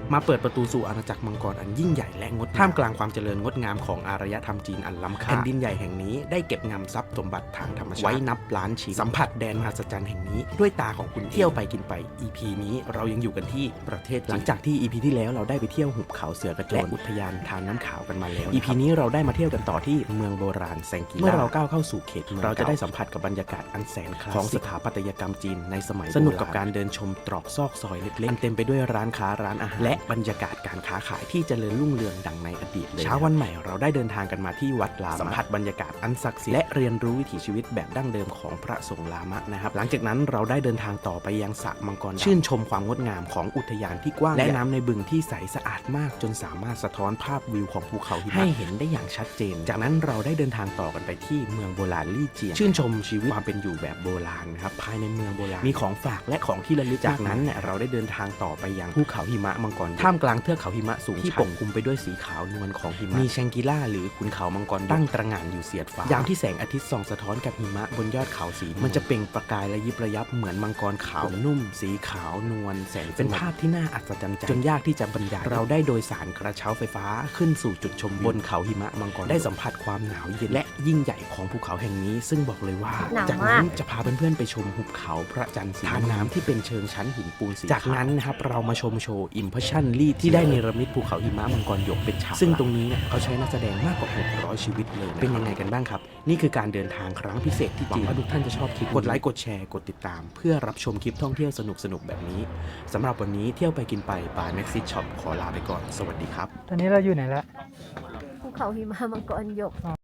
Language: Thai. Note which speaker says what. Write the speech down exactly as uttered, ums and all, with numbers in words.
Speaker 1: มาเปิดประตูสู่อาณาจักรมังกรอันยิ่งใหญ่และงดท่ามกลางความเจริญงดงามของอารยธรรมจีนอันล้ำค่าแผ่นดินใหญ่แห่งนี้ได้เก็บงำทรัพย์สมบัติทางธรรมชาติไว้นับล้านชิ้นสัมผัสแดนมหัศจรรย์แห่งนี้ด้วยตาของคุณเที่ยวไปกินไป อี พี นี้เรายังอยู่กันที่ประเทศหลังจากที่ อี พี ที่แล้วเราได้ไปเที่ยวหุบเขาเสือกระโจนและอุทยานทานน้ำขาวกันมาแล้ว อี พี นี้เราได้มาเที่ยวกันต่อที่เมืองโบราณแซงกีล่าเมื่อเราก้าวเข้าสู่เขตเมืองเราจะได้สัมผัสกับบรรยากาศอันแสนคลาสสิกของสถาปัตยกรรมจีนในสมัยสนุกกับการเดินชมตรอกซอกซอยเล็กๆอันเต็มไปด้วยร้านค้าร้านอาหารและบรรยากาศการค้าขายที่เจริญรุ่งเรืองดังในอดีตเลยเช้าวันใหม่เราได้เดินทางกันมาที่วัดลามะสัมผัสบรรยากาศอันศักดิ์สิทธิ์และเรียนรู้วิถีชีวิตแบบดั้งเดิมของพระสงฆ์ลามะนะครับหลังจากนั้นเราได้เดินทางต่อไปยังสระมังกรชื่นชมความงดงามของอุทยานที่กว้างและน้ำในบึงที่ใสสะอาดมากจนสามารถสะท้อนภาพวิวของภูเขาหิมะให้เห็นได้อย่างชัดเจนจากนั้นเราได้เดินทางต่อกันไปที่เมืองโบราณลี่เจียงชื่นชมชีวิตความเป็นอยู่แบบโบราณนะครับภายในเมืองโบราณมีของฝากและของที่ระลึกจากนั้นเนี่ยเราได้เดินทางต่อไปยังภูเขาหิมะมังกรท่ามกลางเทือกเขาหิมะสูงที่ปกคลุมไปด้วยสีขาวนวลของหิมะมีแชงกิล่าหรือขุนเขามังกรตั้งตระหง่านอยู่เสียดฟ้ายามที่แสงอาทิตย์ส่องสะท้อนกับหิมะบนยอดเขาสีมันจะเปล่งประกายและยิบระยับเหมือนมังกรขาวนุ่มสีขาวนวลแสนเป็นภาพที่น่าอัศจรรย์ใจจนยากที่จะบรรยายเราได้โดยสารกระเช้าไฟฟ้าขึ้นสู่จุดชมบนเขาหิมะมังกรได้สัมผัสความหนาวเย็นและยิ่งใหญ่ของภูเขาแห่งนี้ซึ่งบอกเลยว่าจากนั้นจะพาเพื่อนๆไปชมหุบเขาพระจันทร์สีทานน้ำที่เป็นเชิงชั้นหินปูนสีจากนั้นนะครับเรามาชมโชว์ Impression ลีดที่ได้เนรมิตภูเขาหิมะมังกรหยกเป็นฉากซึ่งตรงนี้เนี่ยเขาใช้นักแสดงมากกว่าหกร้อยชีวิตเลยเป็นยังไงกันบ้างครับนี่คือการเดินทางครั้งพิเศษที่จีนหวังว่าทุกท่านจะชอบคลิปกดไลค์กดแชร์กดติดตามเพื่อรับชมคลิปท่องเที่ยวสนุกๆแบบนี้สำหรับวันนี้เที่ยวไปกินไปบาย Maxit Shop ขอลาไปก่อนสวัสดีครับ
Speaker 2: ตอนนี้เราอยู่ไหนแล้ว
Speaker 3: ภูเขาหิมะมังกรหยก